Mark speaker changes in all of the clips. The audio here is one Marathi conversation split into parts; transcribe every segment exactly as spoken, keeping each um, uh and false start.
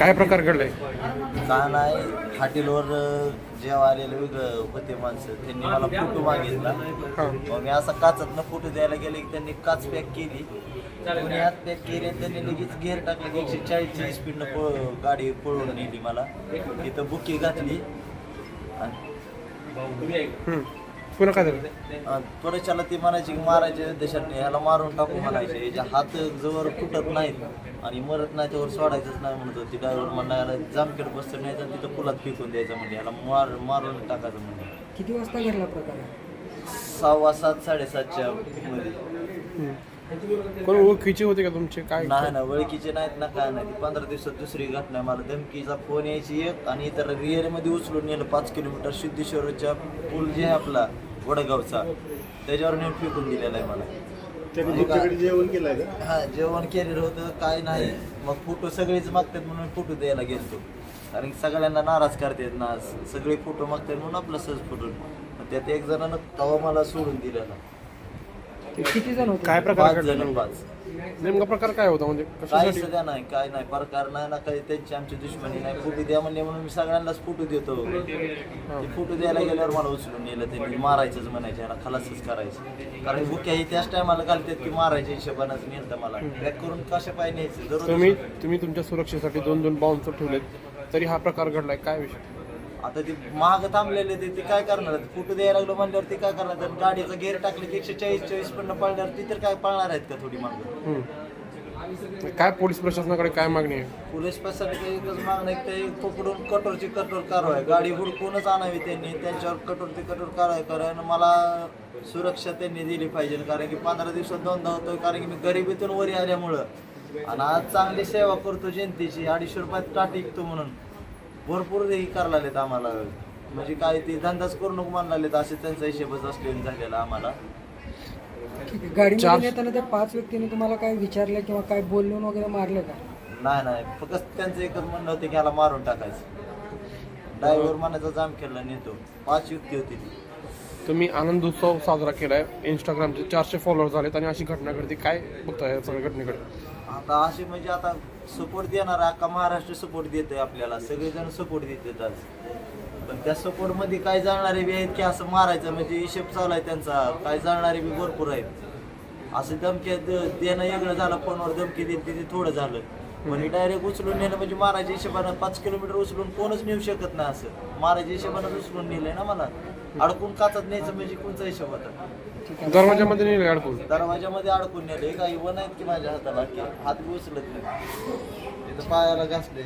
Speaker 1: काय प्रकार घडलाय?
Speaker 2: का नाही हॉटेलवर जेव्हा आलेले वेगळं होते माणसं त्यांनी मला फोटो मागितला. मग मी असा काचातनं फोटो द्यायला गेले की त्यांनी काच पॅक केली, कोणी हात पॅक केली, त्यांनी लगेच गेअर टाकले की एकशे चाळीसची स्पीडनं पळ गाडी पळवून नेली. मला तिथं बुकी घातली
Speaker 1: हम्म. पुन्हा काय झालं?
Speaker 2: त्वरेच्याला ती म्हणायची की मारायच्या देशात ह्याला मारून टाकू म्हणायचे, याच्या हात जवळ फुटत नाहीत आणि मरत नाही त्यावर सोडायचंच नाही म्हणत होती. ड्रायव्हर म्हणायला जामखेड बसतं नाही तर तिथं पुलात फेकून द्यायचं म्हणजे ह्याला मार मारून टाकायचं म्हणजे.
Speaker 3: किती वाजता घडला प्रकार?
Speaker 2: सहावा सात साडेसातच्या मध्ये.
Speaker 1: कोण ओळखीचे होते का तुमचे? काय
Speaker 2: नाही ना ओळखीचे नाहीत ना काय नाही. पंधरा दिवसात दुसरी घटना. मला धमकीचा फोन यायची एक आणि इतर रिअरमध्ये उचलून नेलं पाच किलोमीटर सिद्धेश्वरच्या पूल जे आहे आपला वडगावचा त्याच्यावर नेऊन फेकून दिलेला आहे मला.
Speaker 4: जेवण केलं का?
Speaker 2: हा जेवण केलेलं होतं काय नाही. मग फोटो सगळेच मागतात म्हणून फोटो द्यायला गेलतो, कारण सगळ्यांना नाराज करतात ना, सगळे फोटो मागतात म्हणून आपला सहज फोटो. त्यात एक जणांना तवा मला सोडून दिलेला.
Speaker 3: किती जण होते?
Speaker 1: काय प्रकार
Speaker 2: पाच
Speaker 1: घडला?
Speaker 2: जण पाच.
Speaker 1: नेमका प्रकार काय होता म्हणजे
Speaker 2: काही
Speaker 1: कशासाठी?
Speaker 2: सध्या नाही, काय नाही प्रकार नाही ना, काही त्यांची आमची दुश्मनी नाही. फोटो द्या म्हणले म्हणून मी सगळ्यांनाच फोटो देतो. ते फोटो द्यायला गेल्यावर मला उचलून नेलं, त्यांनी मारायचंच म्हणायचे, ह्याला खलासच करायचं. कारण बुक्या ही त्याच टायमाला घालतात की मारायच्या हिशोबानंच नेलं मला. पॅक करून कशा पाय न्यायचं
Speaker 1: तुम्ही
Speaker 2: दररोज.
Speaker 1: तुम्ही तुमच्या सुरक्षेसाठी दोन दोन बाउन्सर ठेवलेत तरी हा प्रकार घडलाय, काय विषय?
Speaker 2: आता ते महाग थांबलेले ते ते काय करणार? फोटो द्यायला लागलो म्हणल्यावर ते काय करणार? तर गाडीचा गेअर टाकले की एकशे चाळीस चाळीस पण पळणार, ती तर काय पळणार आहेत का थोडी मागं?
Speaker 1: हम्म. काय पोलीस प्रशासनाकडे काय मागणी आहे?
Speaker 2: पोलीस प्रशासनाची एकच मागणं आहे की ते पकडून कठोरची कठोर कारवाई, गाडी हुडकूनच आणावी त्यांनी, त्यांच्यावर कठोर ते कठोर कारवाई. कारण मला सुरक्षा त्यांनी दिली पाहिजे, कारण की पंधरा दिवसात दोनदा होतो, कारण की मी गरिबीतून वरी आल्यामुळं आणि आज चांगली सेवा करतो जनतेची, अडीचशे रुपयात टाट विकतो म्हणून भरपूर हे करायला लागलेत आम्हाला. म्हणजे काय ते धंदाच करू नको म्हणायला लागलेत, असे त्यांचा हिशेबच असलेला झालेला आम्हाला.
Speaker 3: ठीक आहे. गाडीमध्ये येताना त्या पाच व्यक्तींनी तुम्हाला काय विचारलं किंवा काय बोलून वगैरे मारलं का?
Speaker 2: नाही नाही, फक्त त्यांचं एकच म्हणणं होतं की ह्याला मारून टाकायचं. ड्रायव्हर मनाचा जाम केला नेतो. पाच युक्ती होती ती.
Speaker 1: तुम्ही आनंद उत्सव साजरा केलाय, इंस्टाग्रामचे चारशे फॉलोअर झालेत आणि अशी घटना घडते, काय बघताय या सगळ्या घटनेकडे?
Speaker 2: आता असे म्हणजे आता सपोर्ट देणारा अख्खा महाराष्ट्र सपोर्ट देतोय आपल्याला, सगळेजण सपोर्ट देतात आज. पण त्या सपोर्टमध्ये काय जाणारे बी आहेत की असं मारायचं म्हणजे हिशेब चालू आहे त्यांचा. काय जाणारे बी भरपूर आहेत. असं धमकी देणं वेगळं झालं, फोनवर धमकी देते ते थोडं झालं. म्हणजे डायरेक्ट उचलून नेलं म्हणजे मारायच्या हिशोबानं पाच किलोमीटर उचलून कोणच नेऊ शकत नाही. असं मारायच्या हिशोबानं उचलून नेलंय ना मला. अडकून काचात न्यायचं म्हणजे कोणचा हिशोब होता?
Speaker 1: दरवाजामध्ये नेले अडकून?
Speaker 2: दरवाजामध्ये अडकून नेले. काही वन आहेत की माझ्या हाताला की हात बी उचलत नाही. इथं पायाला घासले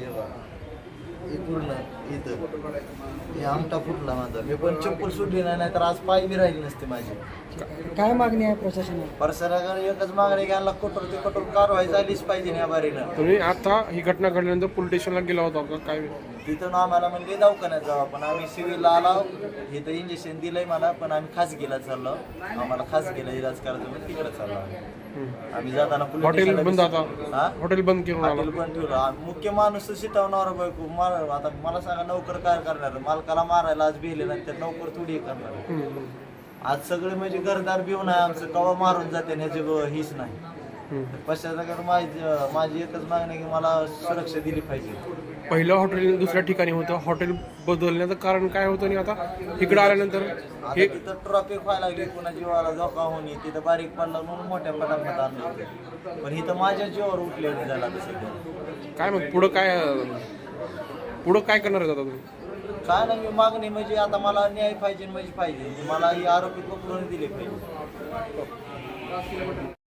Speaker 2: हे पूर्ण इथं हे आमटा फुटला माझा. मी पण चप्पल सुटली नाही, नाही तर आज पाय बी राहिली नसते माझी.
Speaker 3: काय मागणी आहे प्रशासनाला?
Speaker 2: परसराकडे एकच मागणी घ्यायला कठोर ते कठोर कारवाई झालीच पाहिजे या बारीनं.
Speaker 1: तुम्ही आता ही घटना घडल्यानंतर पोलीस स्टेशनला गेला होता का? काय
Speaker 2: तिथं आम्हाला म्हणजे दवाखान्यात जाऊ आपण. आम्ही सिव्हिलला आलो, इथं इंजेक्शन दिलंय मला, पण आम्ही खासगीला चाललो. आम्हाला खासगीला इलाज करायचं म्हणून तिकडे चाललो आम्ही. आम्ही जाताना
Speaker 1: हॉटेल बंद आता?
Speaker 2: हा
Speaker 1: हॉटेल बंद केलं?
Speaker 2: हॉटेल पण ठेवलं. आम्ही मुख्य माणूस शिटवणार बायको मार. आता मला सांगा नोकर काय करणार? मालकाला मारायला आज भिले नाही तर नोकर थोडी करणार. आज सगळे म्हणजे घरदार भिवून आहे आमचं, कवा मारून जाते ह्याची हीच नाही. पश्चात माझी माझी एकच मागणी की मला सुरक्षा दिली पाहिजे.
Speaker 1: पहिलं हॉटेल दुसऱ्या ठिकाणी होतं, हॉटेल बदलण्याचं कारण काय होतं आणि आता इकडे आल्यानंतर
Speaker 2: हे तिथं ट्रॉफिक व्हायला लागली, कुणा जीवाला धोका होणे, तिथं बारीक पडला म्हणून मोठ्या पटापट आणलं होतं. पण इथं माझ्या जीवावर उठलेलं झाला सध्या.
Speaker 1: काय मग पुढं काय पुढं काय करणार आहे आता तुम्ही?
Speaker 2: काय नाही, मी मागणी म्हणजे आता मला न्याय पाहिजे म्हणजे पाहिजे. मला ही आरोपी पकडून दिले पाहिजे.